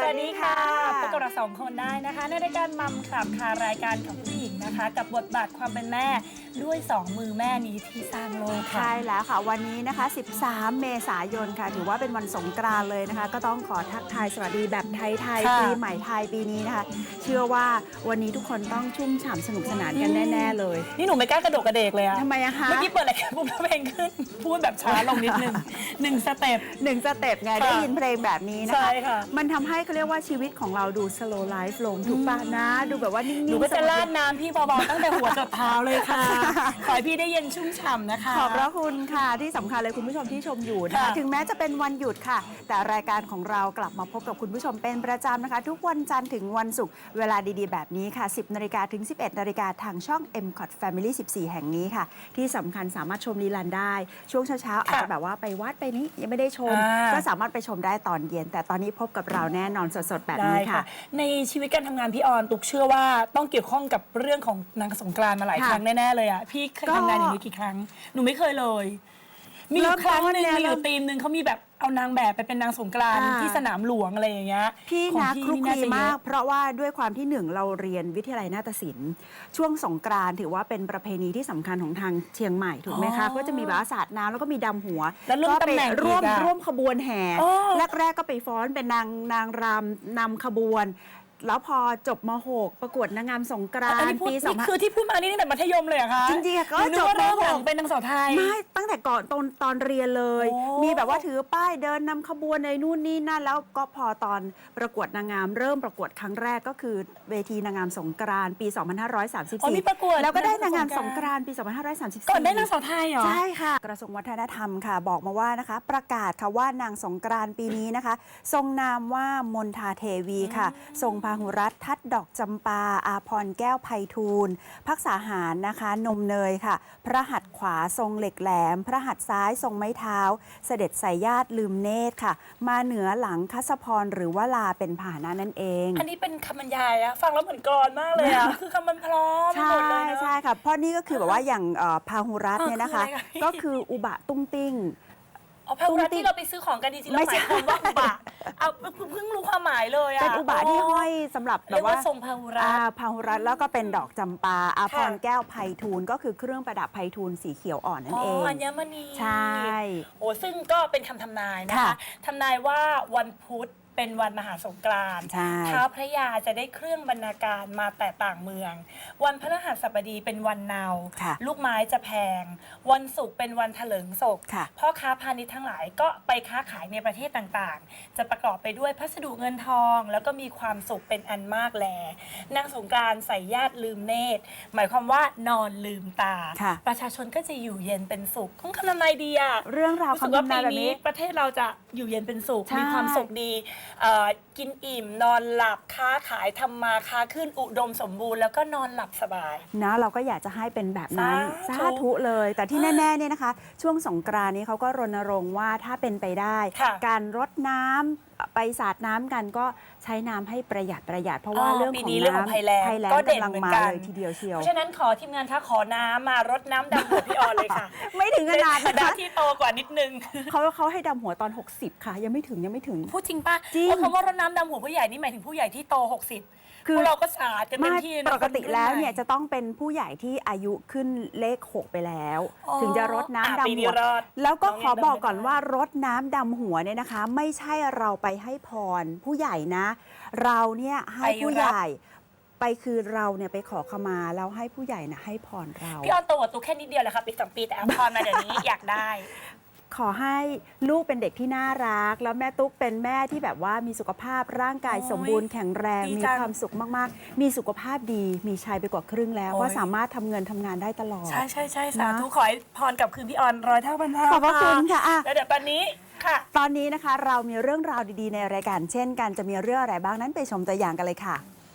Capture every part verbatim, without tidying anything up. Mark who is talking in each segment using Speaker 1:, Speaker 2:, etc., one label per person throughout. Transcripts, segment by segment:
Speaker 1: วัสดีค่ะพบกับเราสองคนได้นะคะในรายการมัมคลับค่ะรายการของผู้หญิงนะคะกับบทบาทความเป็นแม่ด้วยสองมือแม่นี้ที่สร้างโลกค่ะ
Speaker 2: ใช่แล้วค่ะวันนี้นะคะสิบสามเมษายนค่ะถือว่าเป็นวันสงกรานต์เลยนะคะก็ต้องขอทักทายสวัสดีแบบไทยๆปีใหม่ไทยปีนี้นะคะเชื่อว่าวันนี้ทุกคนต้องชุ่มฉ่ำสนุกสนานกันแน่ๆเลย
Speaker 1: นี่หนูไม่กล้ากระโดดกระเดกเลยอะ
Speaker 2: ทำไมอะคะ
Speaker 1: เมื่อกี้เปิดรายการปุ๊บเพลงขึ้นพูดแบบช้าลงนิดนึงหนึ่งสเต็ป
Speaker 2: หนึ่งสเต็ปไงได้ยินเพลงแบบนี้นะคะ
Speaker 1: ใช่ค่ะ
Speaker 2: มันทำให้เขาเรียกว่าชีวิตของเราดู slow life ลงถูกป่ะนะดูแบบว่านิ่งๆ
Speaker 1: หนูก็จะราดน้ำพี่เบาๆตั้งแต่หัวจนเท้าเลยค่ะขอให้พี่ได้เย็นชุ่มฉ่ำนะคะ
Speaker 2: ขอบพระคุณค่ะที่สำคัญเลยคุณผู้ชมที่ชมอยู่นะคะถึงแม้จะเป็นวันหยุดค่ะแต่รายการของเรากลับมาพบกับคุณผู้ชมเป็นประจำนะคะทุกวันจันทร์ถึงวันศุกร์เวลาดีๆแบบนี้ค่ะสิบนาฬิกาถึงสิบเอ็ดนาฬิกาทางช่อง เอ็ม คอท Family สิบสี่ แห่งนี้ค่ะที่สำคัญสามารถชมรีลันได้ช่วงเช้าๆอาจจะแบบว่าไปวัดไปนี้ยังไม่ได้ชมก็สามารถไปชมได้ตอนเย็นแต่ตอนนี้พบกับเราแน่นอนสดๆแบบนี้ค่ะ
Speaker 1: ในชีวิตการทำงานพี่ออนตุกเชื่อว่าต้องเกี่ยวข้องกับเรื่องของนางสงกรานต์มาหลายครั้งแน่ๆเลยอ่ะพี่เคยทำงานอย่างนี้กี่ครั้งหนูไม่เคยเลยมีอยู่ครั้งหนึ่งมีอยู่ทีมหนึ่งเขามีแบบเอานางแบบไปเป็นนางสงกรานต์ที่สนามหลวงอะไรอย่างเงี้ย
Speaker 2: พี่นะคลุกคลีมากเพราะว่าด้วยความที่หนึ่งเราเรียนวิทยาลัยนาฏศิลป์ช่วงสงกรานต์ถือว่าเป็นประเพณีที่สำคัญของทางเชียงใหม่ถูกไหมคะก็จะมีแบบสาดน้ำแล้วก็มีดำหัว
Speaker 1: แล้วร่วมตำแหน่ง
Speaker 2: ร่วมร่วมขบวนแห่แรกๆก็ไปฟ้อนเป็นนางนางรำนำขบวนแล้วพอจบม หก ประกวดนางงามสงกรานต์ปีสอง
Speaker 1: คือที่พูดมานี่ตั้งแต่มัธยมเลยอะคะ
Speaker 2: จริงๆก็
Speaker 1: จบม หกเป็นนางสาวไทย
Speaker 2: ไม่ตั้งแต่ก่อนตอนตอนเรียนเลยมีแบบว่าถือป้ายเดินนำขบวนในนู่นนี่นั่นแล้วก็พอตอนประกวดนางงามเริ่มประกวดครั้งแรกก็คือเวทีนางงามสงกรานต์ปีสองพันห้าร้อยสามสิบสี่แล้วก็ได้นางงามสงกรานต์ปีสองพันห้าร้อยสามสิบสี่
Speaker 1: ก่อนได้นางสาวไทยเหรอ
Speaker 2: ใช่ค่ะกระทรวงวัฒนธรรมค่ะบอกมาว่านะคะประกาศค่ะว่านางสงกรานต์ปีนี้นะคะทรงนามว่ามนทาเทวีค่ะทรงพาหุรัตน์ทัดดอกจำปาอาพรแก้วไพฑูรย์พักษาหารนะคะนมเนยค่ะพระหัตถ์ขวาทรงเหล็กแหลมพระหัตถ์ซ้ายทรงไม้เท้าเสด็จสายญาติลืมเนตรค่ะมาเหนือหลังคัสพรหรือว่าลาเป็นพาหนะนั่นเอง
Speaker 1: อันนี้เป็นคำบรรยายอะฟังแล้วเหมือนกลอนมากเลยอะคือคำมันพร้อม
Speaker 2: ใช่ใช่ค่ะเพราะนี่ก็คือแบบว่าอย่างพาหุรัตน์เนี่ยนะคะก็คืออุบะตุ้งติ้ง
Speaker 1: อ๋อพาหุรัตน์ที่เราไปซื้อของกันจริงๆเราหมายความว่าอุบะเอาเพิ่งรู้ความหมายเลยอะ
Speaker 2: เป็นอุบะที่ห้อยสำหรับแบบว่า
Speaker 1: ทรงพาหุรัตน์
Speaker 2: พาหุรัตน์แล้วก็เป็นดอกจำปาอาพรแก้วไพฑูรย์ก็คือเครื่องประดับไพฑูรย์สีเขียวอ่อนนั่นเอง
Speaker 1: อ๋ออัญมณี
Speaker 2: ใช่
Speaker 1: โอ้ซึ่งก็เป็นคำทำนายนะคะทำนายว่าวันพุธเป็นวันมหาสงกรานต์ท้าวพระยาจะได้เครื่องบรรณาการมาแต่ต่างเมืองวันพฤหัสบดีเป็นวันเนาลูกไม้จะแพงวันศุกร์เป็นวันเถลิงศกพ่อค้าพาณิชย์ทั้งหลายก็ไปค้าขายในประเทศต่างๆจะประกอบไปด้วยพัสดุเงินทองแล้วก็มีความสุขเป็นอันมากแลนางสงกรานต์ใส่ญาติลืมเนตรหมายความว่านอนลืมตาประชาชนก็จะอยู่เย็นเป็นสุขของคำนำนายดีอะ
Speaker 2: เรื่องราวคำนำนายแบบนี้
Speaker 1: ประเทศเราจะอยู่เย็นเป็นสุขมีความสุขดีกินอิ่มนอนหลับค้าขายทำมาค้าขึ้นอุดมสมบูรณ์แล้วก็นอนหลับสบาย
Speaker 2: นะเราก็อยากจะให้เป็นแบบนั้นสาธุเลยแต่ที่แน่ๆเนี่ยนะคะช่วงสงกรานต์นี้เขาก็รณรงค์ว่าถ้าเป็นไปได้การรดน้ำไปสาดน้ำกันก็ใช้น้ำให้ประหยัดประหยัดเพราะว่าเรื่องของน้ำ
Speaker 1: ภัยแล้ง
Speaker 2: ก็กำลังมาเลยทีเดียวเชียว
Speaker 1: เพราะฉะนั้นขอทีมงานถ้าขอน้ำมารดน้ำดำหัวพี่ออนเลยค่ะ
Speaker 2: ไม่ถึงขนาด
Speaker 1: นั้นที่โตกว่านิดนึง
Speaker 2: เขาเขาให้ดำหัวตอนหกสิบค่ะยังไม่ถึงยังไม่ถึง
Speaker 1: พูดจริงป่ะเพราะคำว่ารดน้ำดำหัวผู้ใหญ่นี่หมายถึงผู้ใหญ่ที่โตหกสิบคือเราก็สาดกันเต็มที่
Speaker 2: ปกติแล้วเนี่ยจะต้องเป็นผู้ใหญ่ที่อายุขึ้นเลขหกไปแล้วถึงจะรดน้ำดำหัวแล้วก็ขอบอกก่อนว่ารดน้ำดำหัวเนี่ยนะคะไม่ใช่เราไปให้พรผู้ใหญ่นะเราเนี่ยให้ผู้ใหญ่ไปคือเราเนี่ยไปขอขมาแล้วให้ผู้ใหญ่นะให้พรเรา
Speaker 1: พี่ออนโตกว่าตุ๊กแค่นิดเดียวแหละค่ะปีสองปีแต่เอาพรมาเดี๋ยวนี้อยากได้
Speaker 2: ขอให้ลูกเป็นเด็กที่น่ารักแล้วแม่ตุ๊กเป็นแม่ที่แบบว่ามีสุขภาพร่างกายสมบูรณ์แข็งแรงมีความสุขมากๆมีสุขภาพดีมีชัยไปกว่าครึ่งแล้วก็สามารถทำเงินทำงานได้ตลอด
Speaker 1: ใช่ใช่ใช่สาธุขอให้พรกับคืนพี่ออนร้อยเท่าพันเท่า
Speaker 2: ขอบพระคุณค่ะ
Speaker 1: แล้วเดี๋ยวตอนนี้ค่ะ
Speaker 2: ตอนนี้นะคะเรามีเรื่องราวดีๆในรายการเช่นกันจะมีเรื่องอะไรบ้างนั้นไปชมตัวอย่างกันเลยค่ะ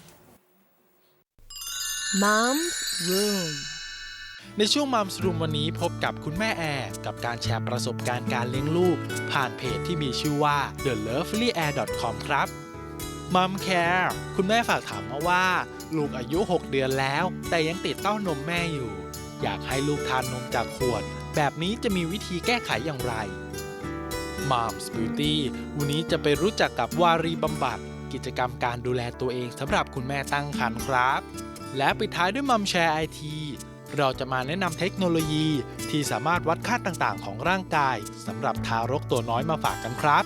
Speaker 3: Mom's Room
Speaker 4: ในช่วงมัมส์รูมวันนี้พบกับคุณแม่แอร์กับการแชร์ประสบการณ์การเลี้ยงลูกผ่านเพจที่มีชื่อว่า เดอะ เลิฟลี่แอร์ ดอท คอม ครับ Mom Care คุณแม่ฝากถามมาว่าลูกอายุหกเดือนแล้วแต่ยังติดเต้านมแม่อยู่อยากให้ลูกทานนมจากขวดแบบนี้จะมีวิธีแก้ไขอย่างไร Mom's Beauty วันนี้จะไปรู้จักกับวารีบำบัดกิจกรรมการดูแลตัวเองสำหรับคุณแม่ตั้งครรภ์ครับ และปิดท้ายด้วยมัมแชร์ไอทีเราจะมาแนะนำเทคโนโลยีที่สามารถวัดค่าต่างๆของร่างกายสำหรับทารกตัวน้อยมาฝากกันครับ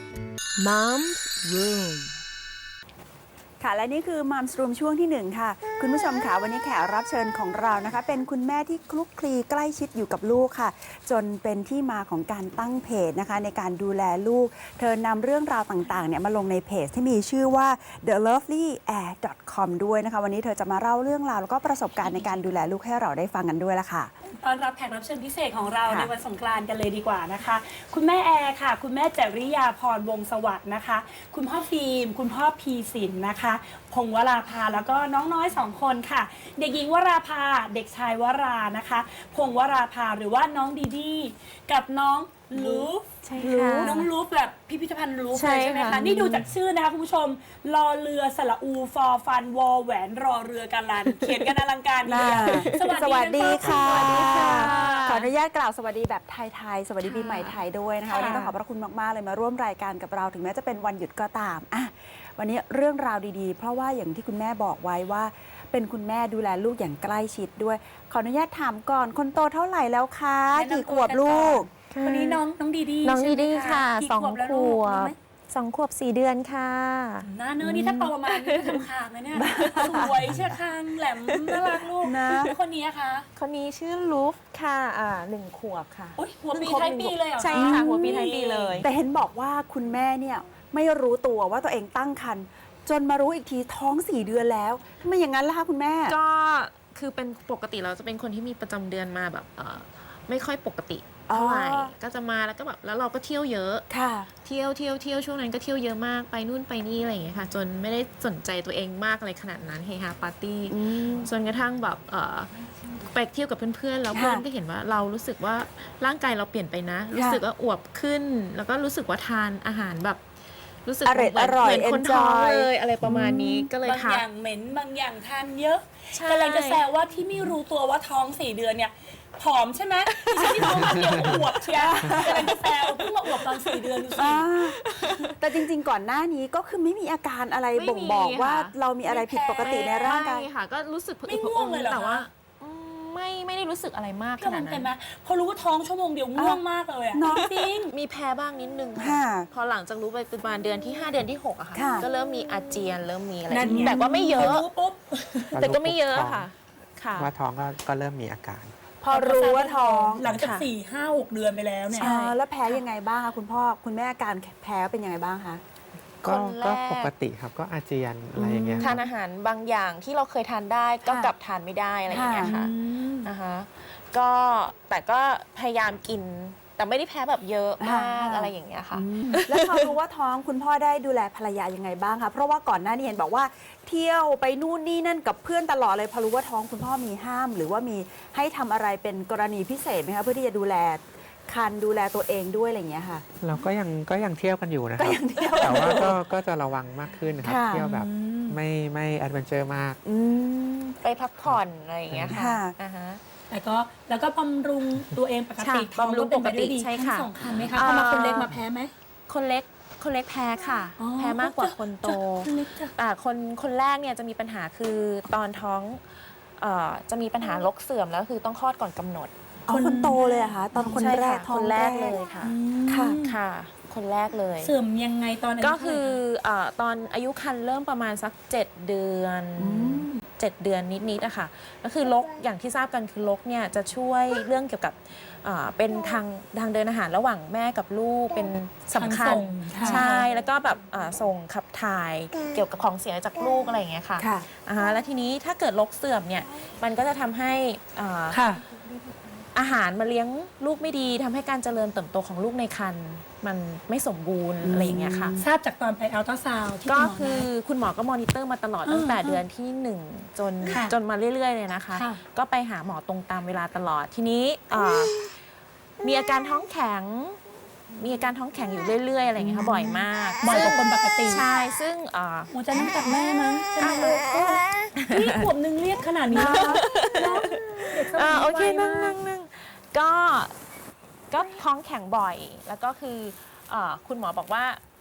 Speaker 3: Mom's Room
Speaker 2: ค่ะและนี่คือมัมสรูมช่วงที่หนึ่งค่ะคุณผู้ชมค่ะวันนี้แขกรับเชิญของเรานะคะเป็นคุณแม่ที่คลุกคลีใกล้ชิดอยู่กับลูกค่ะจนเป็นที่มาของการตั้งเพจนะคะในการดูแลลูกเธอนำเรื่องราวต่างๆเนี่ยมาลงในเพจที่มีชื่อว่า เดอะ เลิฟลี่ แอร์ ดอท คอม ด้วยนะคะวันนี้เธอจะมาเล่าเรื่องราวแล้วก็ประสบการณ์ในการดูแลลูกให้เราได้ฟังกันด้วยละค่ะ
Speaker 1: ต้อนรับแขกรับเชิญพิเศษของเรา
Speaker 2: ค่ะ
Speaker 1: ในวันสงกรานต์กันเลยดีกว่านะคะ คุณแม่แอร์ค่ะ คุณแม่จริยาพรวงศ์สวัสดิ์นะคะ คุณพ่อฟิล์มคุณพ่อพีสินนะคะ พงศ์วราภาแล้วก็น้องน้อยสองคนค่ะ เด็กหญิงวราภาเด็กชายวรานะคะ พงศ์วราภาหรือว่าน้องดีดีกับน้องลูฟ
Speaker 2: ใช่ค่ะ
Speaker 1: น้องลูฟแบบพิพิธภัณฑ์ลูฟ
Speaker 3: ใช่
Speaker 1: เลยใช่ไหม
Speaker 3: ค่ะ
Speaker 1: คะนี่ดูจากชื่อนะคะคุณผู้ชมรอเรือสระอูฟอฟันวอแหวนรอเรือกันลัน เขียนกันอลังการดี
Speaker 2: น่า
Speaker 1: สวัสดี
Speaker 2: สวัสดีค่ะ
Speaker 1: สวัสดีค่ะ
Speaker 2: ขออนุญาตกล่าวสวัสดีแบบไทยๆ สวัสดีปีใหม่ไทยด้วยนะคะ
Speaker 1: ค่ะ
Speaker 2: วันนี้ต้องขอบพระคุณมากๆเลยมาร่วมรายการกับเราถึงแม้จะเป็นวันหยุดก็ตามอ่ะวันนี้เรื่องราวดีๆ เพราะว่าอย่างที่คุณแม่บอกไว้ว่าเป็นคุณแม่ดูแลลูกอย่างใกล้ชิดด้วย ขออนุญาตถามก่อนคนโตเท่าไหร่แล้วคะ
Speaker 1: แนะนำตัว
Speaker 2: กี่ขวบลูก
Speaker 1: วันนี้น้องน้องดีดี
Speaker 3: น้อง
Speaker 1: ใช่
Speaker 3: ดี
Speaker 1: ไหม
Speaker 3: ดีค่ะ
Speaker 1: กี่
Speaker 3: สอง
Speaker 1: ขวบแล้ว
Speaker 3: ข
Speaker 1: ลูก
Speaker 3: ว
Speaker 1: รู้
Speaker 3: บ
Speaker 1: ไหม
Speaker 3: สองขวบสี่เดือนค่ะ
Speaker 1: หน้าเนื้อนี่ถ้าโตประมาณนี้ก็ทำคางนะเนี่ยสวยเชื่อคางแหลมน่ารักลูก
Speaker 2: นะ
Speaker 1: แล้วคนนี้อะคะ
Speaker 3: คนนี้ชื่อลูฟค่ะอ่าหนึ่งขวบค่ะ
Speaker 1: โอ๊ยหัวปี
Speaker 3: เพิ่งครบ
Speaker 1: ท้าย
Speaker 3: หนึ่ง
Speaker 1: ปีเลยเหรอ
Speaker 3: ใช่ค่ะหัวปีท้ายปีเลย
Speaker 2: แต่เห็นบอกว่าคุณแม่เนี่ยไม่รู้ตัวว่าตัวเองตั้งครรภ์จนมารู้อีกทีท้องสี่เดือนแล้วทำไมอย่างนั้นล่ะคะคุณแม่
Speaker 3: ก็คือเป็นปกติเราจะเป็นคนที่มีประจำเดือนมาแบบเอ่อไม่ค่อยปกติเท่าไหร่
Speaker 2: อ๋อ
Speaker 3: ก็จะมาแล้วก็แบบแล้วเราก็เที่ยวเยอะ
Speaker 2: ค่ะ
Speaker 3: เที่ยวเที่ยวเที่ยวช่วงนั้นก็เที่ยวเยอะมากไปนู่นไปนี่อะไรอย่างเงี้ยค่ะ จนไม่ได้สนใจตัวเองมากอะไรขนาดนั้นเฮฮาปาร์ตี้
Speaker 2: อืม
Speaker 3: จนกระทั่งแบบเอ่อไปเที่ยวกับเพื่อนๆแล้ว
Speaker 2: ค่ะ
Speaker 3: เพื่อนก็เห็นว่าเรารู้สึกว่าร่างกายเราเปลี่ยนไปนะ รู้สึกว่าอวบขึ้น แล้วก็รู้สึกว่าทานอาหารแบบ รู้สึก
Speaker 2: อร่อย
Speaker 3: เหมืน
Speaker 2: อร่อย
Speaker 3: เหมือนคนท้อง
Speaker 2: enjoy
Speaker 3: เลยอะไรประมาณนี้ก็เลย
Speaker 1: บาง
Speaker 3: ทั
Speaker 1: อก ย่างเหม็นบางอย่างทานเยอะ
Speaker 3: ใช่
Speaker 1: กำลังจะแซวว่าที่ไม่รู้ตัวว่าท้องสี่เดือนเนี่ยผอมใช่ไหมที่ฉันที่ท้องมาเดียวอวบเชียร์กำลังจะแซวเพิ่งมาอวบตอนสี่เดือนดูสิ
Speaker 2: อ่าแต่จริงๆ ก่อนหน้านี้ก็คือไม่มีอาการอะไร
Speaker 3: ไม่มี
Speaker 2: บ่งบอกว่า
Speaker 3: ค่ะ
Speaker 2: เรามีอะไรผิดปกติในร่างกาย
Speaker 3: ไม่ค่ะ ก็รู้สึก
Speaker 1: ไม่ง่วงเลยเหรอคะ
Speaker 3: แต่ว่าอืมไม่ไม่ได้รู้สึกอะไรมาก
Speaker 1: พี่
Speaker 3: ข
Speaker 1: มั
Speaker 3: นาด
Speaker 1: น
Speaker 3: นั้
Speaker 1: เป็น
Speaker 3: น
Speaker 1: ไหมพอรู้ว่าท้องชั่วโมงเดียวง่วงมากเลยอะ
Speaker 2: เนอะ
Speaker 1: จริง
Speaker 3: มีแพ้บ้างนิดนึง
Speaker 2: ค่ะ
Speaker 3: พอหลังจากรู้ไปประมาณเดือนที่ห้าเดือนที่หกอะค่ะ
Speaker 2: ค่ะ
Speaker 3: ก็เริ่มมีอาเจียนเริ่มมีอะไร
Speaker 1: นั่นไง
Speaker 3: แต่ก็ไม่เย
Speaker 1: พอ
Speaker 3: อะ
Speaker 1: รู้ปุ๊บ
Speaker 3: แต่ก็ไม่เยอะค่ะ ค่ะ
Speaker 5: ว่าท้องก็ก็เริ่มมีอาการ
Speaker 2: พอรู้ว่าท้อง
Speaker 1: หลังจาก
Speaker 3: ค่ะ
Speaker 1: สี่ห้าหกเดือนไปแล้วเนี่ย
Speaker 2: เออแล้วแพ้ยังไงบ้างคะคุณพ่อคุณแม่อาการแพ้เป็นยังไงบ้างคะ
Speaker 5: ก็
Speaker 3: คนแรก
Speaker 5: ก็ปกติครับก็อาเจียนอะไรอย่างเงี้ยค
Speaker 3: ทา
Speaker 5: รั
Speaker 3: น
Speaker 5: บ
Speaker 3: อาหารบางอย่างที่เราเคยทานได้ก็
Speaker 2: ค่ะ
Speaker 3: กลับทานไม่ได้อะไรอย่างเงี้ย
Speaker 2: ค่ะ
Speaker 3: ค่ะนะคะก็แต่ก็พยายามกิน แต่ไม่ได้แพ้แบบเยอะมากอะไรอย่างเงี้ยค่ะ
Speaker 2: แล้วพอรู้ว่าท้องคุณพ่อได้ดูแลภรรยายังไงบ้างคะเพราะว่าก่อนหน้านี้เห็นบอกว่าเที่ยวไปนู่นนี่นั่นกับเพื่อนตลอดเลยพอรู้ว่าท้องคุณพ่อมีห้าม หรือว่ามีให้ทำอะไรเป็นกรณีพิเศษไหมคะเพื่อที่จะดูแลคันดูแลตัวเองด้วยอะไรอย่างเงี้ยค่ะ
Speaker 5: เราก็ยังก็ยังเที่ยวกันอยู่นะค
Speaker 2: ก็
Speaker 5: รับ
Speaker 2: ยังเที่ยว
Speaker 5: แต่ว่าก็ก็จะระวังมากขึ้นนะครับ
Speaker 2: ค่ะ
Speaker 5: เที่ยวแบบไม่ไม่แอดเวนเจอร์มาก
Speaker 2: อืม
Speaker 3: ไปพักผ่อนอะไรอย่างเงี้ยค่ะ
Speaker 2: ค่ะ
Speaker 3: อ่าฮะ
Speaker 1: แต่ก็แล้วก็บำรุงตัวเองปกติ
Speaker 3: ค่ะ
Speaker 1: ท้อง
Speaker 3: บำรุง
Speaker 1: เป็นไปได้ดี
Speaker 3: ปกติใช่
Speaker 1: ทั้
Speaker 3: ค่ะ
Speaker 1: งสองคันไหมคะ
Speaker 3: เอ่อ
Speaker 1: พอมาคนเล็กมาแพ้ไหม
Speaker 3: คนเล็กคนเล็กแพ้ค่ะ
Speaker 1: อ๋อ
Speaker 3: แพ้มากกว่าคนโต
Speaker 1: จ้ะคนเล็กจ้ะ
Speaker 3: แต่คนคนแรกเนี่ยจะมีปัญหาคือตอนท้องเอ่อจะมีปัญหาลกเสื่อมแล้วคือต้องคลอดก่อนกำหนด
Speaker 2: เอาคนโตเลยเหรอะคะตอนคน
Speaker 3: ใช่
Speaker 2: แรก
Speaker 3: ค่ะ
Speaker 2: ท้อ
Speaker 3: ค
Speaker 2: ง
Speaker 3: นแรกเลยค่ะ
Speaker 2: ค่ะ
Speaker 3: ค่ะ คนแรกเลย
Speaker 1: เสื่อมยังไงตอนอายุ
Speaker 3: ก็คื
Speaker 1: เท่าไหร่
Speaker 3: อเออตอนอายุครรภ์เริ่มประมาณสักเจ็ดเดือนเจ็ดเดือนนิดๆอะค่ะก็คือลกอย่างที่ทราบกันคือลกเนี่ยจะช่วยเรื่องเกี่ยวกับเอ่อเป็นทางทางเดินอาหารระหว่างแม่กับลูกเป็นสำคัญ
Speaker 1: ทางส่งค่ะ
Speaker 3: ใช่แล้วก็แบบอ่าส่งขับถ่ายเกี่ยวกับของเสียจากลูกอะไรอย่างเงี้ยค่ะ
Speaker 2: ค่ะ
Speaker 3: อ่าฮะแล้วทีนี้ถ้าเกิดลกเสื่อมเนี่ยมันก็จะทำให้อ่า
Speaker 1: ค่ะ
Speaker 3: อาหารมาเลี้ยงลูกไม่ดีทำให้การเจริญเติบโตของลูกในครรภ์มันไม่สมบูรณ์อะไรอย่างเงี้ยค่ะ
Speaker 1: ทราบจากตอนไปอัลตราซาวด์ที่
Speaker 3: ก็
Speaker 1: ณหม
Speaker 3: คือ
Speaker 1: นัด
Speaker 3: คุณหมอก็มอนิเตอร์มาตลอด
Speaker 1: อ่า
Speaker 3: ตั้งแต่เดือนที่หนึ่งจน
Speaker 1: ค่ะ
Speaker 3: จนมาเรื่อยๆเลยนะคะ
Speaker 1: ค่ะ
Speaker 3: ก็ไปหาหมอตรงตามเวลาตลอดทีนี้อ่ามีอาการท้องแข็ง มีอาการท้องแข็งอยู่เรื่อยๆอะไรอย่างเงี้ยค่ะบ่อยมาก
Speaker 1: บ่อยกว่าคนปกติ
Speaker 3: ใช่ซึ่งอ่า
Speaker 1: หัวใจน้ำจากแม่มั้งใช่ไหมลูกนี่ขวบนึงเรียกขนาดนี้แล้วเนอะเด็กสมัย
Speaker 3: อ่า
Speaker 1: นี้
Speaker 3: โอเค
Speaker 1: ไว
Speaker 3: นั่ง
Speaker 1: มา
Speaker 3: นั่
Speaker 1: ก
Speaker 3: งนั่งก็ก็ท้องแข็งบ่อย แล้วก็คือเอ่อคุณหมอบอกว่า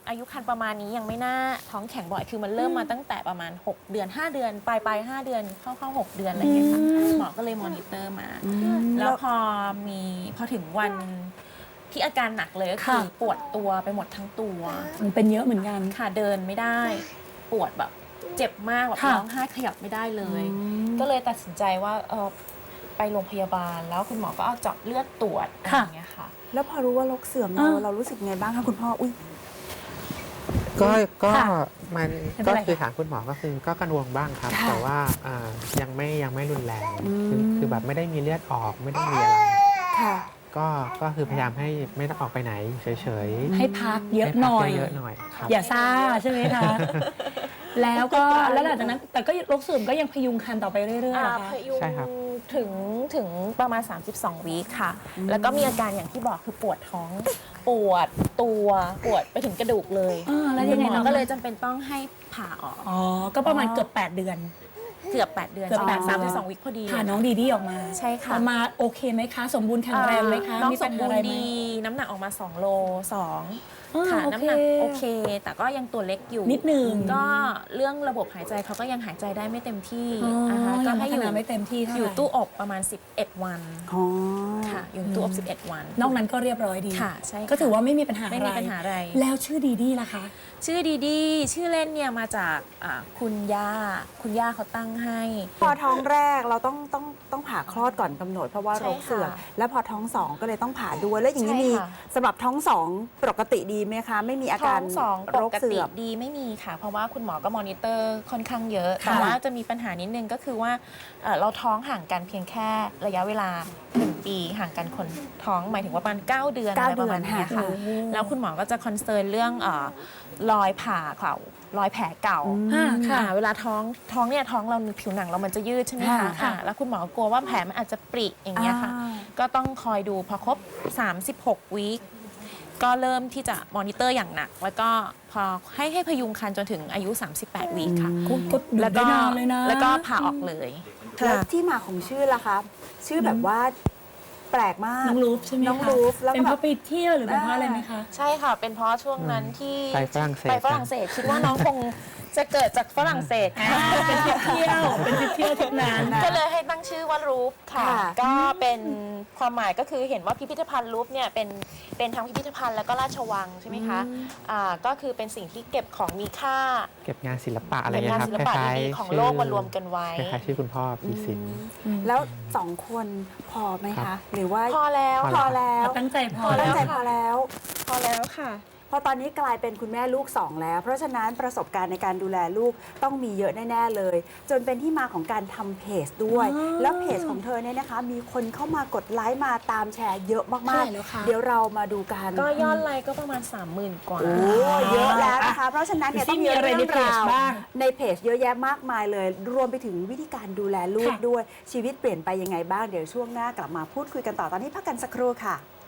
Speaker 3: อายุครรภ์ประมาณนี้ยังไม่น่าท้องแข็งบ่อยคือมันเริ่มมาตั้งแต่ประมาณ หก เดือน ห้า เดือนปลายปลายห้าเดือนเข้าเข้าหกเดือนอะไรอย่างเงี้ยค่ะหมอก็เลยมอนิเตอร์มา แล้วพอมีพอถึงวันที่อาการหนักเลยก็คือ
Speaker 6: ค่ะ
Speaker 3: ปวดตัวไปหมดทั้งตัว
Speaker 6: มันเป็นเยอะเหมือนกัน
Speaker 3: ค่ะเดินไม่ได้ ปวดแบบเจ็บมากแบบ
Speaker 6: ค่ะ
Speaker 3: ร้องไห้ขยับไม่ได้เลย ก็เลยตัดสินใจว่าเออไปโรงพยาบาลแล้วคุณหมอก็เอาเจาะเลือดตรวจอะไรอย่างเงี้ยค่ะ
Speaker 2: แล้วพอรู้ว่าโรคเสื่อมเรา
Speaker 6: อ่า
Speaker 2: เรารู้สึกไงบ้างคะคุณพ่ออุ้ย
Speaker 5: ก็ก็
Speaker 6: ค่ะ
Speaker 5: มัน
Speaker 6: ไม่เป็นไร
Speaker 5: ก็คือ
Speaker 6: ค่ะ
Speaker 5: ถามคุณหมอก็คือก็กังวลบ้างครับ
Speaker 2: ค่ะ
Speaker 5: แต่ว่าอ่ายังไม่ยังไม่รุนแรง
Speaker 2: อืม
Speaker 5: คือคือแบบไม่ได้มีเลือดออกไม่ได้มีอะไร
Speaker 2: ค่ะ
Speaker 5: ก็ก็คือพยายามให้ไม่ต้องออกไปไหนเฉยๆ
Speaker 6: ให้พักเยอะ
Speaker 5: ให้
Speaker 6: ห
Speaker 5: พั
Speaker 6: น่
Speaker 5: ก
Speaker 6: อย
Speaker 5: เยอะๆหน่อยครับ
Speaker 6: อย่าซ่าใช่ไหมคะ แล้วก็แล้วหลังจากนั้น แต่ก็โรคเสื่อมก็ยังพยุงคันต่อไปเรื่อยๆเหรอ
Speaker 3: อ่า
Speaker 6: คะ
Speaker 3: พยุง
Speaker 5: ใช่ครับ
Speaker 3: ถึงถึงประมาณ สามสิบสอง วีคค่ะ แล้วก็มีอาการอย่างที่บอกคือปวดท้อง ปวดตัวปวดไปถึงกระดูกเลย
Speaker 6: อ่าแล้วยังไง
Speaker 3: คุณหม
Speaker 6: น้
Speaker 3: อ
Speaker 6: อง
Speaker 3: ก็เลยจำเป็นต้องให้ผ่าออก
Speaker 6: อ๋อ ก็ประมาณเกือบ แปด เดือน
Speaker 3: เกือบ แปด เดือน
Speaker 6: เกือบ
Speaker 3: ใช่
Speaker 6: แปด
Speaker 3: สามสิบสอง วีคพอดีเลย
Speaker 6: ผ่าน้องดีดีออกมา
Speaker 3: ใช่ค่ะ
Speaker 6: ออกมาโอเคไหมคะ สมบูรณ์แข็งแรงไหมคะ
Speaker 3: น้อง
Speaker 6: มี
Speaker 3: ส
Speaker 6: ปัญ
Speaker 3: ม
Speaker 6: หา
Speaker 3: บู
Speaker 6: อะ
Speaker 3: ร
Speaker 6: ไร
Speaker 3: ณ์
Speaker 6: ไหม
Speaker 3: ดีน้ำหนักออกมาสองโลสอง
Speaker 6: อ่า
Speaker 3: ค่ะ
Speaker 6: โอเค
Speaker 3: น้ำหนักโอเค แต่ก็ยังตัวเล็กอยู่
Speaker 6: นิดนึง
Speaker 3: ก็เรื่องระบบหายใจเขาก็ยังหายใจได้ไม่เต็มที่
Speaker 6: อ๋อ
Speaker 3: นะคะก็
Speaker 6: ยัง
Speaker 3: ให้
Speaker 6: พั
Speaker 3: อ
Speaker 6: ฒ
Speaker 3: ยู่
Speaker 6: นาไม่เต็มที่เท่าไหร่
Speaker 3: อยู่ตู้อบประมาณ สิบเอ็ด วัน
Speaker 2: อ๋อ
Speaker 3: ค่ะอยู่ในตู้อบ สิบเอ็ด วัน
Speaker 6: นอกนั้นก็เรียบร้อยดี
Speaker 3: ค่ะใช่ค่ะ
Speaker 6: ก็ถือว่าไม่มีปัญหา
Speaker 3: ไม่มีปัญหาอะไร
Speaker 6: แล้วชื่อดีดีล่ะคะ
Speaker 3: ชื่อดีดีชื่อเล่นเนี่ยมาจากอ่าคุณย่าคุณย่าเขาตั้งให้
Speaker 2: พอท้องแรกเราต้องต้องต้องผ่าคลอดก่อนกำหนดเพราะว่า
Speaker 3: ใช่
Speaker 2: โรคเสื่อม
Speaker 3: ค่ะ
Speaker 2: แล้วพอท้องสองก็เลยต้องผ่าด้วยแล้วอย่างนี้
Speaker 3: ใช่
Speaker 2: มี
Speaker 3: ค่ะ
Speaker 2: สำหรับท้องสองปกติดีไหมคะ ไม่มีอา
Speaker 3: ท้
Speaker 2: กา
Speaker 3: อ
Speaker 2: รง
Speaker 3: สองป
Speaker 2: โรค
Speaker 3: ก
Speaker 2: เสื่
Speaker 3: ติ
Speaker 2: อม
Speaker 3: ดีไม่มีค่ะ เพราะว่าคุณหมอก็มอนิเตอร์ค่อนข้างเยอะ
Speaker 6: ค่ะ
Speaker 3: แต่ว่าจะมีปัญหานิดนึงก็คือว่าเอ่อเราท้องห่างกันเพียงแค่ระยะเวลาหนึ่งปีห่างกันคนท้องหมายถึงว่าประมาณเก้าเดือน
Speaker 2: เก้า
Speaker 3: อะไรประมาณ
Speaker 2: เดือน
Speaker 3: เนี้ยค่ะ
Speaker 2: ค่ะ
Speaker 3: แล้วคุณหมอก็จะคอนเซิร์นเรื่องเอ่อรอยผ่าเก่ารอยแผลเก่า
Speaker 6: อ่าค่ะ
Speaker 3: อ่าเวลาท้องท้องเนี่ยท้องเราผิวหนังเรามันจะยืดใช่ไหม
Speaker 2: ค่ะ
Speaker 3: คะอ่าแล้วคุณหมอกลัวว่าแผลมันอาจจะปริอย่างเงี้ยค่ะ
Speaker 2: อ่า
Speaker 3: ก็ต้องคอยดูพอครบ สามสิบหก วีคก็เริ่มที่จะมอนิเตอร์อย่างหนัก แล้วก็พอให้ให้พยุงคันจนถึงอายุ สามสิบแปด วีคค่ะ
Speaker 6: ก็ก็ดู
Speaker 3: แล้ว
Speaker 6: ได้
Speaker 3: ก็
Speaker 6: นานเลยนะ
Speaker 3: แล้วก็ผ่าออกเลย
Speaker 2: แล้วที่มาของชื่อล่ะคะชื่อแบบว่าแปลกมาก
Speaker 6: น้องรูฟใช่ไหมคะ
Speaker 2: น้องรูฟแล้วก็
Speaker 6: เป็นเพราะไปเที่ยวหรือเป็นเพราะอะไรไหมคะ
Speaker 3: ใช่ค่ะ เป็นเพราะช่วงนั้นที่
Speaker 5: ไปฝรั่งเศส
Speaker 3: ไปฝรั่งเศส คิดว่าน้องคงจะเกิดจากฝรั่งเศสค่ะ
Speaker 6: เป็นทริปเที่ยว เป็นทริปเที่ยวทุกนั้น
Speaker 3: ก็เลยให้ตั้งชื่อว่ารูฟค่ะ
Speaker 2: ค่ะ
Speaker 3: ก็เป็นความหมายก็คือเห็นว่าพิพิธภัณฑ์รูฟเนี่ยเป็นเป็นทั้งพิพิธภัณฑ์แล้วก็ราชวังใช่ไหมคะอ่าก็คือเป็นสิ่งที่เก็บของมีค่า
Speaker 5: เก็บงานศิลปะอะไร
Speaker 3: เป็น
Speaker 5: เงี้
Speaker 3: งาย น
Speaker 5: ครับ
Speaker 3: ศิลปะ
Speaker 5: คล้าย
Speaker 3: ดี
Speaker 5: ๆ
Speaker 3: ๆของ
Speaker 5: ชื่
Speaker 3: โลกมารวมกันไว้
Speaker 5: คล้ายๆชื่อคุณพ่อพีสิน
Speaker 2: แล้วสองคนพอไหม
Speaker 5: ครั
Speaker 2: คะ
Speaker 5: บ
Speaker 2: หรือว่า
Speaker 3: พอแล้ว
Speaker 2: พอแล้ว
Speaker 6: ตั้งใจพอ
Speaker 2: ตั้
Speaker 6: แล้
Speaker 2: ง
Speaker 6: ว
Speaker 2: ใจพอแล้ว
Speaker 3: พอแล้วค่ะ
Speaker 2: พอตอนนี้กลายเป็นคุณแม่ลูกสองแล้ว เพราะฉะนั้นประสบการณ์ในการดูแลลูกต้องมีเยอะแน่ๆเลย จนเป็นที่มาของการทำเพจด้วย
Speaker 6: อ๋อ
Speaker 2: แล้วเพจของเธอเนี่ยนะคะ มีคนเข้ามากดไลค์มาตามแชร์เยอะมา
Speaker 6: เท่าก ไหร่แล้วคะ
Speaker 2: ๆ เดี๋ยวเรามาดูกัน
Speaker 3: ก็ยอดไลค์ก็ประมาณ สามหมื่น กว่า
Speaker 2: โอ้เยอะแล้วนะคะ เพราะฉะนั้นเนี่ย
Speaker 6: ดูสิ
Speaker 2: ต้องมี
Speaker 6: มีอะไร
Speaker 2: เรื่อง
Speaker 6: ในเพจ
Speaker 2: ราว
Speaker 6: บ้าง
Speaker 2: ในเพจเยอะแยะมากมายเลย รวมไปถึงวิธีการดูแลลูก
Speaker 6: ค่ะ
Speaker 2: ด้วยชีวิตเปลี่ยนไปยังไงบ้างเดี๋ยวช่วงหน้ากลับมาพูดคุยกันต่อตอนนี้พักกันสักครู่ค่ะ